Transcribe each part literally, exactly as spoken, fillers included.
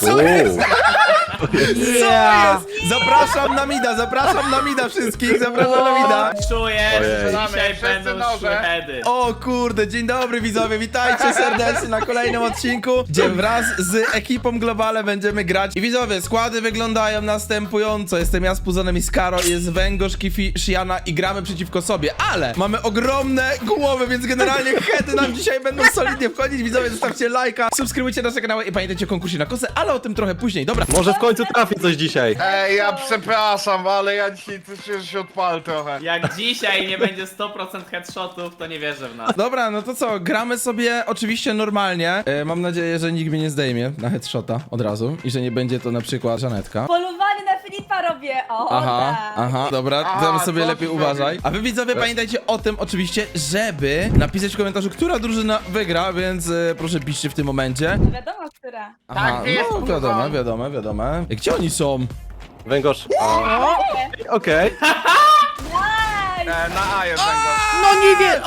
Co jest? Yeah. Co jest? Zapraszam na mida, zapraszam na mida wszystkich, zapraszam na mida. Czuję, że Ojej. dzisiaj Wszyscy będą noże. szły heady. O kurde, dzień dobry widzowie, witajcie serdecznie na kolejnym odcinku, gdzie wraz z ekipą Globale będziemy grać. I widzowie, składy wyglądają następująco. Jestem ja z Puzonem i Skaro, jest Węgorz, Kifi, Shiana i gramy przeciwko sobie, ale mamy ogromne głowy, więc generalnie heady nam dzisiaj będą solidnie wchodzić. Widzowie, zostawcie lajka, subskrybujcie nasze kanały i pamiętajcie o konkursie na kosę, ale o tym trochę później. Dobra, Może w końcu trafi coś dzisiaj. Ej, ja przepraszam, ale ja dzisiaj coś się, się odpal trochę. Jak dzisiaj nie będzie sto procent headshotów, to nie wierzę w nas. dobra, no to co, gramy sobie oczywiście normalnie. E, mam nadzieję, że nikt mnie nie zdejmie na headshota od razu i że nie będzie to na przykład Żanetka. Polowanie na Filipa robię, o Aha, tak. aha, dobra, Aha, tam sobie co lepiej ty uważaj. robisz? A wy widzowie pamiętajcie o tym oczywiście, żeby napisać w komentarzu, która drużyna wygra, więc e, proszę piszcie w tym momencie. Wiadomo, która. Aha, jest, no kurwa. wiadomo, wiadomo, wiadomo. E, Gdzie oni są? Węgorz. a, Okej. Nice! E, na A jest węgorz. No nie wiem!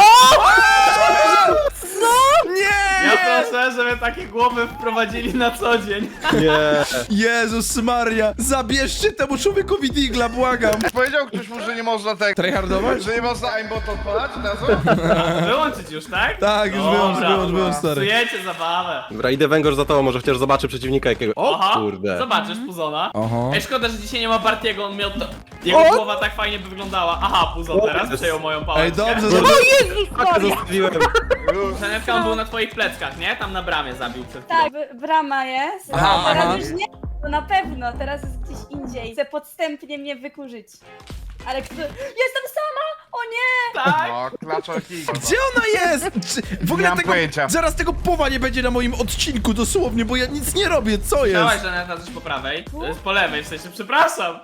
Nie! Ja proszę, żeby takie głowy wprowadzili na co dzień. Nie. Jezus Maria, zabierzcie temu człowiekowi digla, błagam. Powiedział ktoś mu, że nie można tak... Tryhardować? Że nie można aimbot odpalać od razu? Wyłączyć już, tak? Tak, już Dobra, wyłącz, wyłącz, dobra. wyłącz, stary. Psujecie zabawę. Dobra, idę Węgorz za tobą, może chociaż zobaczę przeciwnika jakiego. O Aha, kurde. zobaczysz Puzona. Oho. Ej, szkoda, że dzisiaj nie ma Bartiego, on miał to... Jego głowa tak fajnie by wyglądała. Aha, Puzon teraz przejął moją pałeczkę. Ej, dobrze, Nie. dobrze. Pakę zostawiłem. Żanetka, on był na twoich pleckach, nie? Tam na bramie zabił przed chwilą. Tak, b- brama jest. Aha, A teraz aha. już nie, to na pewno, teraz jest gdzieś indziej. Chce podstępnie mnie wykurzyć. Ale kto... Jestem sama! O nie! Tak? No, klaczorki. Gdzie ona jest? Czy, w ogóle Nie mam tego, pojęcia. zaraz tego powa nie będzie na moim odcinku dosłownie, bo ja nic nie robię, co jest? Chciałaś, Żaneta, coś po prawej? To jest po lewej, w sensie, przepraszam.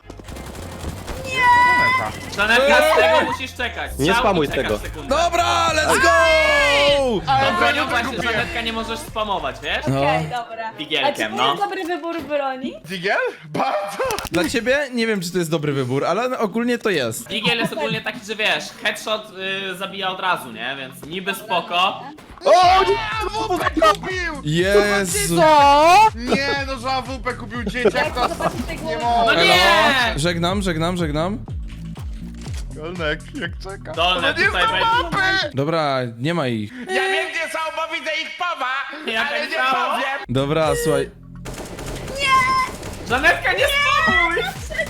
Żanetka, z tego musisz czekać. Nie Strzał, spamuj czekasz tego. sekundę. Dobra, let's go! Tą bronią ja to właśnie, kupiłem. Żanetka, nie możesz spamować, wiesz? No. Okej, dobra. Figielkiem, A czy to no. jest dobry wybór broni? Digiel? Bardzo? Dla ciebie nie wiem, czy to jest dobry wybór, ale ogólnie to jest. Digiel jest ogólnie taki, że wiesz, headshot y, zabija od razu, nie? Więc niby spoko. O nie! W P kupił! Jezu. Nie, no że W P kupił dzieciak, to... Zobaczcie te Nie głowy. No mogę. nie! Żegnam, żegnam, żegnam. Golnek, jak czeka. Dolne No nie tutaj znam będzie. mapy! Dobra, nie ma ich. Ja wiem gdzie są, bo widzę ich powa, Jak ale tak nie samo? powiem. Dobra, słuchaj. Żanetka, nie spamuj!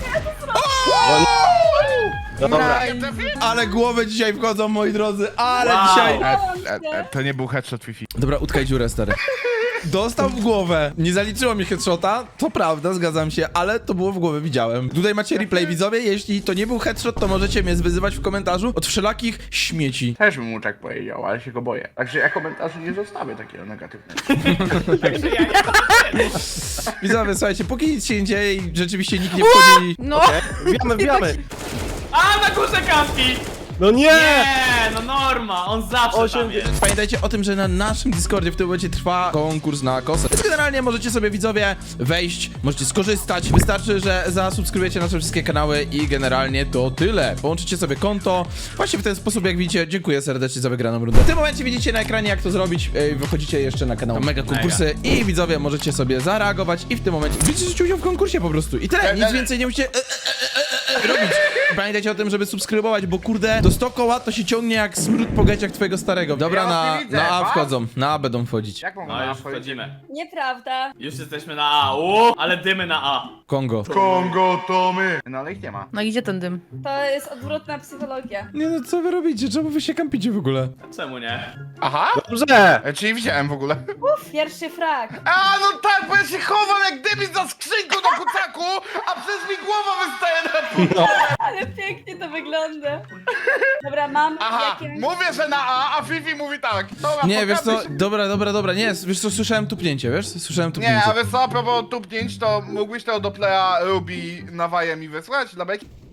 No dobra. Nie trafiłem. Ale głowy dzisiaj wchodzą, moi drodzy, ale Wow. dzisiaj... E, e, e, to nie był headshot Fifi. Dobra, utkaj dziurę, stary. Dostał w głowę. Nie zaliczyło mi headshota, to prawda, zgadzam się, ale to było w głowę, widziałem. Tutaj macie replay, widzowie, jeśli to nie był headshot, to możecie mnie wyzywać w komentarzu od wszelakich śmieci. Też bym mu tak powiedział, ale się go boję. Także ja komentarzu nie zostawię takiego negatywnego. Także ja nie Widzowie, słuchajcie, póki nic się nie dzieje i rzeczywiście nikt nie wchodzi... No! Wbijamy, wbijamy. A, na górze kampi! No nie! Nie, no norma, on zawsze Osiem tam jest. Pamiętajcie o tym, że na naszym Discordzie w tym momencie trwa konkurs na kosę. Więc generalnie możecie sobie, widzowie, wejść, możecie skorzystać. Wystarczy, że zasubskrybujecie nasze wszystkie kanały i generalnie to tyle. Połączycie sobie konto. Właśnie w ten sposób, jak widzicie, dziękuję serdecznie za wygraną rundę. W tym momencie widzicie na ekranie, jak to zrobić. Ej, wychodzicie jeszcze na kanał Mega Konkursy i widzowie możecie sobie zareagować i w tym momencie bierzecie udział w konkursie po prostu. I tyle, nic więcej nie musicie e, e, e, e, robić. Pamiętajcie o tym, żeby subskrybować, bo kurde, do sto koła to się ciągnie jak smród po geciach twojego starego. Dobra, Ja was na, nie widzę, na A was? wchodzą, na A będą wchodzić. Jak mam No na już wchodzić? wchodzimy. Nieprawda. Już jesteśmy na A. Uuu, ale dymy na A. Kongo. Kongo to my. No ale ich nie ma. No i gdzie ten dym? To jest odwrotna psychologia. Nie no, co wy robicie? Czemu wy się kampicie w ogóle? Czemu nie? Aha? Dobrze! E, czyli widziałem w ogóle. Pierwszy frag. A no tak, bo ja się chowam jak dymi za skrzynką do kucaku, a przez mi głowa wystaje na pół. Ale pięknie to wygląda. Dobra, mam Aha, jakieś... mówię, że na A, a Fifi mówi tak. Dobra, Nie, wiesz co, pokażę się- dobra, dobra, dobra, nie, wiesz co, słyszałem tupnięcie, wiesz? Słyszałem Nie, tupnięcie. a wiesz co, a propos tupnięć, to mógłbyś tego do playa Ruby nawajem mi wysłać dla beki?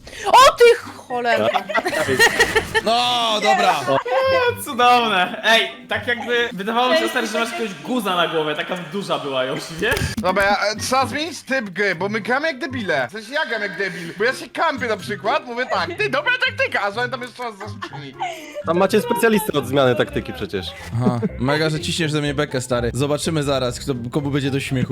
O ty cholera! No, dobra. Cudowne. Ej, tak jakby wydawało mi się, stary, że masz jakiegoś guza na głowie, taka duża była już, wiesz? Dobra, ja, e, trzeba zmienić typ gry, bo my gramy jak debile. W sensie ja gram jak debil, bo ja się kampię na przykład, mówię tak, ty, dobra taktyka, a żaden tam jeszcze raz zastrzeli. Tam macie specjalistę od zmiany taktyki przecież. Aha, mega, że ciśniesz ze mnie bekę, stary. Zobaczymy zaraz, kto, komu będzie do śmiechu.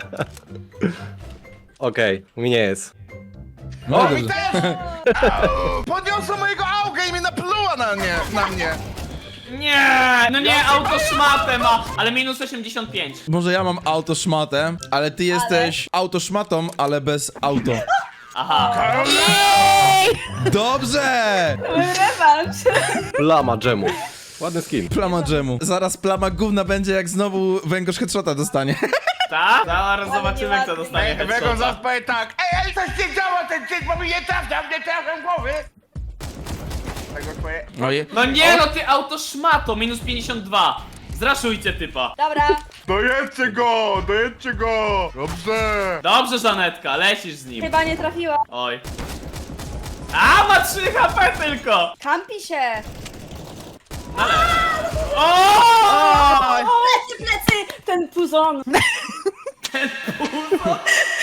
Okej, mi nie jest. No, O, mi dobrze. też! Podniosła mojego auga i mnie napluła na mnie, na mnie. Nie, no nie, auto szmatę ma, ale minus osiemdziesiąt pięć. Może ja mam auto szmatę, ale ty jesteś auto szmatą, ale bez auto. Aha. Dobrze! Rewanż. Plama dżemu. Ładny skin. Plama dżemu. Zaraz plama gówna będzie, jak znowu węgorz headshota dostanie. Tak? Zaraz zobaczymy, kto ładnie. dostanie Wego headshota. zaraz powie tak, ej, ej, coś nie działa ten cyk, bo mi nie trafia, nie trafia głowy. Tego twoje... Oje. No nie, no ty auto szmato, minus pięćdziesiąt dwa. Zraszujcie typa. Dobra. Dojedźcie go, dojedźcie go. Dobrze. Dobrze, Żanetka, lecisz z nim. Chyba nie trafiła. Oj. A, ma trzy H P tylko! Kampi się. Ale... O! Plecy, plecy! Ten puzon. Ten puzon.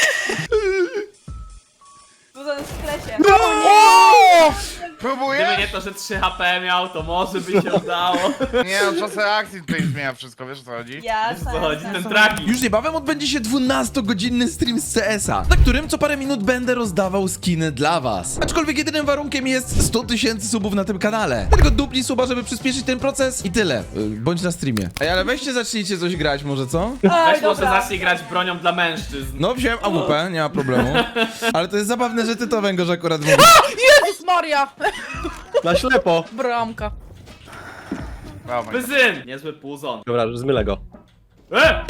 Puzon w sklesie. Gdyby Próbujesz? nie to, że trzy H P miał, to może by się udało. Nie, no czas reakcji tutaj zmienia wszystko, wiesz o co chodzi? Ja, Wiesz, co chodzi, ten traki. Już niebawem odbędzie się dwunastogodzinny stream z C S a, na którym co parę minut będę rozdawał skiny dla was. Aczkolwiek jedynym warunkiem jest sto tysięcy subów na tym kanale. Tylko dupnij suba, żeby przyspieszyć ten proces i tyle. Y, Bądź na streamie. Ej, ale weźcie, zacznijcie coś grać może, co? Oj, Weź może dobra. zacznij grać bronią dla mężczyzn. No, wziąłem A W P, nie ma problemu. Ale to jest zabawne, że ty to węgorz akurat mówisz. Jezus Maria! Na ślepo. Bramka. Dawaj. Bezyn! Niezły puzon. Dobra, zmylę go. E!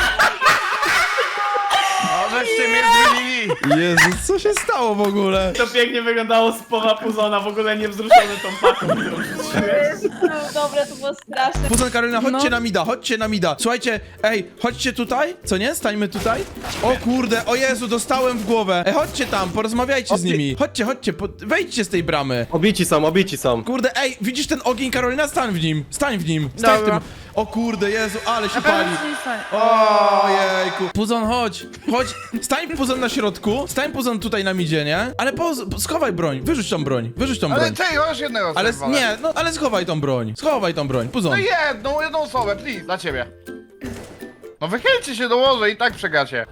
No, żeście mnie zmienili. Jezus, co się stało w ogóle? To pięknie wyglądało z powa puzona, w ogóle nie wzruszony tą paką, którą rzuciłeś. No, dobra, to było straszne. Puzon, Karolina, chodźcie No. na mida, chodźcie na mida. Słuchajcie, ej, chodźcie tutaj, co nie? Stańmy tutaj. O kurde, o Jezu, dostałem w głowę. Ej, chodźcie tam, porozmawiajcie z nimi. Chodźcie, chodźcie, po... wejdźcie z tej bramy. Obici są, obici są. Kurde, ej, widzisz ten ogień, Karolina? Stań w nim, stań w nim, stań w Dobra. tym. O kurde, Jezu, ale się pali. Ojejku. Puzon, chodź, chodź, stań Puzon na środku, stań Puzon tutaj na midzie, nie? Ale po, schowaj broń, wyrzuć tą broń, wyrzuć tą Ale broń. ty, już jednego Ale sobie nie, no ale schowaj tą broń, schowaj tą broń, No Puzon. jedną, jedną osobę, please, dla ciebie. No wychylcie się, dołożę i tak przegacie.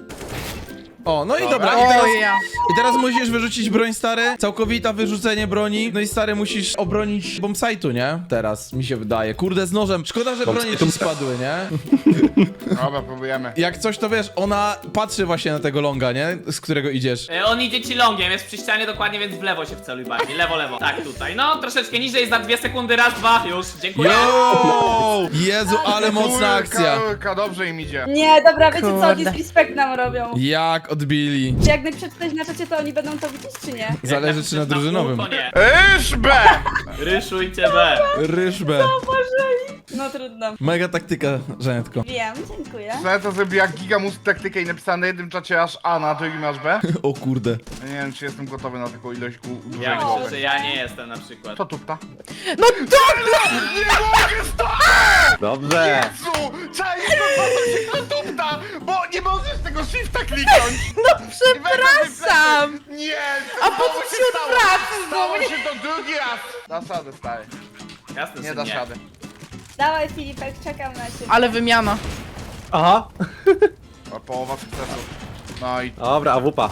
O, no i Dobra. dobra, i teraz, O ja. i teraz musisz wyrzucić broń, stary, całkowita wyrzucenie broni, no i stary, musisz obronić bombsite'u, nie? Teraz, mi się wydaje, kurde, z nożem, szkoda, że bronie ci spadły, nie? Dobra, próbujemy. Jak coś, to wiesz, ona patrzy właśnie na tego longa, nie? Z którego idziesz. E, On idzie ci longiem, jest przy ścianie dokładnie, więc w lewo się wceluj bardziej. Lewo, lewo. Tak, tutaj. No, troszeczkę niżej, jest za dwie sekundy, raz, dwa, już. Dziękuję. Yo! Jezu, ale mocna akcja. Kurka, dobrze im idzie. Nie, dobra, wiecie co, Kurde. disrespect nam robią. Jak odbili. Czy jak przeczytać na czacie, to oni będą to widzieć, czy nie? Zależy czy na drużynowym. To nie. Iż B! Ryszujcie B. Ryżbę. No trudno. Mega taktyka, Żanetko. Wiem, dziękuję. Znałem to zrobiła gigamus taktykę i napisała na jednym czacie aż A, na drugim aż B. O kurde. Ja nie wiem, czy jestem gotowy na taką ilość gu- dużej Ja myślę, głowy. że ja nie jestem na przykład. To tupta. No dobra! Nie mogę stać! Dobrze. Jezu! Czaj, to się to tupta! Bo nie możesz tego shifta kliknąć! No przepraszam! Nie! A po co się odwracasz? Stało się to drugi raz! Dasz radę, stary. Jasne, Nie że dasz nie. rady. Dawaj Filipek, czekam na ciebie. Ale wymiana. Aha. O, połowa sukcesu. No i... No. Dobra, A W P.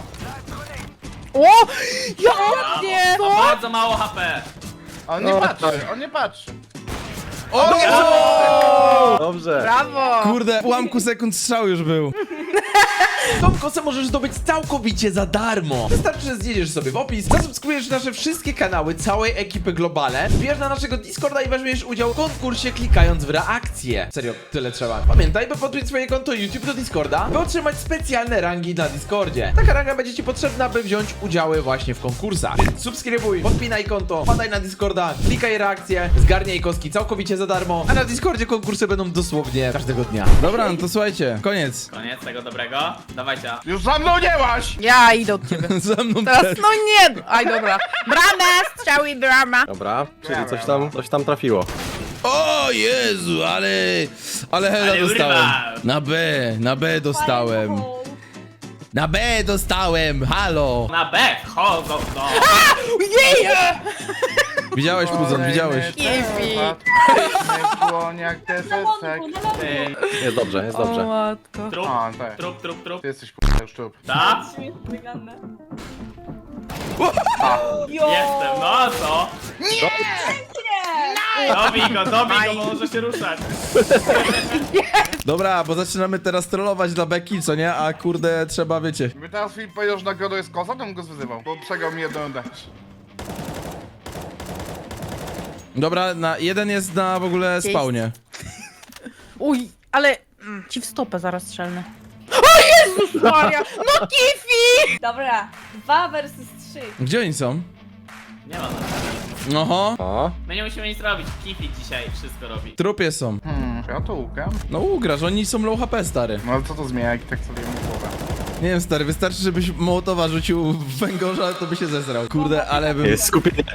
O! Jak nie! Ma bardzo mało H P. On nie No, patrzy, tak. on nie patrzy. O nie! Dobrze. Brawo! Kurde, w ułamku sekund strzał już był. Tą kosę możesz zdobyć całkowicie za darmo. Wystarczy, że zjedziesz sobie w opis, zasubskrybujesz nasze wszystkie kanały całej ekipy Globale, wbierz na naszego Discorda i weźmiesz udział w konkursie klikając w reakcję. Serio, tyle trzeba. Pamiętaj, by podpiąć swoje konto YouTube do Discorda, by otrzymać specjalne rangi na Discordzie. Taka ranga będzie ci potrzebna, by wziąć udziały właśnie w konkursach. Więc subskrybuj, podpinaj konto, wpadaj na Discorda, klikaj reakcję, zgarniaj koski całkowicie za darmo, a na Discordzie konkursy będą dosłownie każdego dnia. Dobra, no to słuchajcie, koniec. Koniec tego dobrego. Dawajcie. A. Już za mną nie łaś! Ja idę od ciebie. Ze mną Teraz, też. no nie! Aj, dobra. Brama, strzały, brama. Dobra, czyli coś tam, coś tam trafiło. O Jezu, ale... Ale hela Ale dostałem. urwał. Na B, na B dostałem. Na B dostałem, halo. Na B wchodzą do... Jej! Widziałeś, Puzon, widziałeś. Kiwi. Dłoń jak Na deseczek. lądku, na lądku. Ty, Jest dobrze, jest O dobrze. matko. trup, A, tak. trup, trup, trup. Ty jesteś k***a już trup. Tak? Śmiesznie wygląda. Jestem, no a co? Nie! Dobij go, dobij go, bo może się ruszać. Dobra, bo zaczynamy teraz trollować dla Beki, co nie? A kurde, trzeba, wiecie. Gdyby teraz Filip powiedział, że nagrodą jest kosa, to bym go zwyzywał, bo przegrał mi jedną rundę. Dobra, na, jeden jest na w ogóle spawnie. Uj, ale... Mm, ci w stopę zaraz strzelnę. O Jezus Maria! No Kifi! Dobra, dwa versus trzy. Gdzie oni są? Nie ma nas. Oho, O, My nie musimy nic robić. Kifi dzisiaj wszystko robi. w trupie są. Hmm, ja to łukam. No ugrasz, oni są low H P, stary. No ale co to zmienia, jak i tak sobie mam głowę? Nie wiem, stary, wystarczy, żebyś Mołotowa rzucił w węgorza, to by się zezrał. Kurde, ale bym... jest skupienie.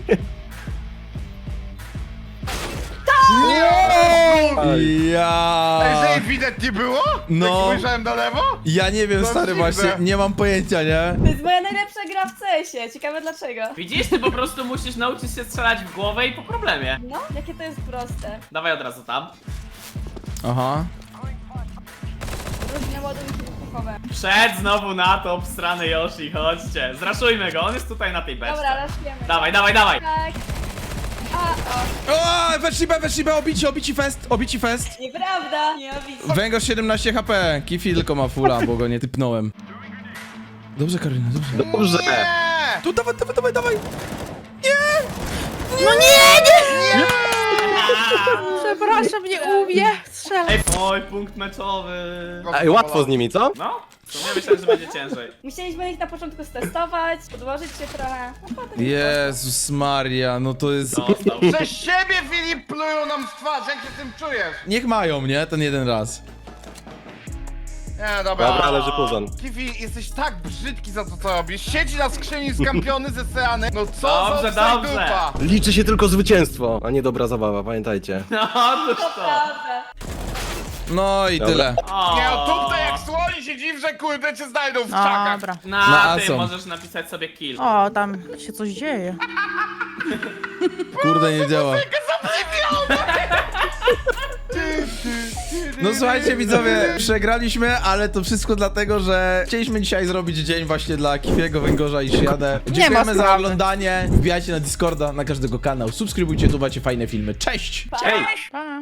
Ja... Ej, że widać nie było? No. Jak spojrzałem na lewo? Ja nie wiem, To stary, dziwne. właśnie, nie mam pojęcia, nie? To jest moja najlepsza gra w C S ie. Ciekawe dlaczego. Widzisz, ty po prostu musisz nauczyć się strzelać w głowę i po problemie. No, jakie to jest proste. Dawaj od razu tam. Aha. Różne ładunki wybuchowe. Przed znowu na to obstrany Yoshi, chodźcie. Zraszujmy go, on jest tutaj na tej beczce. Dobra, raszujemy. Dawaj, dawaj, dawaj. Tak. A, O, weszli B, weszli B, obici, obici fest, obici fest. o. Nieprawda. Nie obić. Węgorz siedemnaście H P, Kifi tylko ma fulla, bo go nie typnąłem. Dobrze, Karolina, dobrze. Dobrze. Nie! Tu, dawaj, dawaj, dawaj, dawaj. No nie, nie! Przepraszam, nie umie. Strzelam. Ej, oj, punkt meczowy. Ej, łatwo z nimi, co? No, to ja myślałem, że będzie ciężej. Musieliśmy ich na początku stestować, podłożyć się trochę. A potem... Jezus Maria, no to jest... Dostał. Przez siebie, Filip, plują nam w twarz, jak się tym czujesz? Niech mają, nie? Ten jeden raz. Nie, dobra. Dobra, leży Puzon. Kiwi, jesteś tak brzydki za to, co robisz. Siedzi na skrzyni skampiony ze seany. No co Dobrze, za dobrze. dupa. Liczy się tylko zwycięstwo, a nie dobra zabawa, pamiętajcie. No, to To co? prawda. No i Dobra. tyle. O. Nie, no tutaj jak słoni się dziw, że kurde cię znajdą w czakach. Dobra. Na, Na tym Asom. możesz napisać sobie kill. O, tam się coś dzieje. Kurde, nie działa. No słuchajcie widzowie, przegraliśmy, ale to wszystko dlatego, że chcieliśmy dzisiaj zrobić dzień właśnie dla Kifiego, Węgorza i Shiadę. Dziękujemy za sprawy. oglądanie, wbijajcie na Discorda, na każdego kanał, subskrybujcie, tu macie fajne filmy. Cześć! Ej! Pa.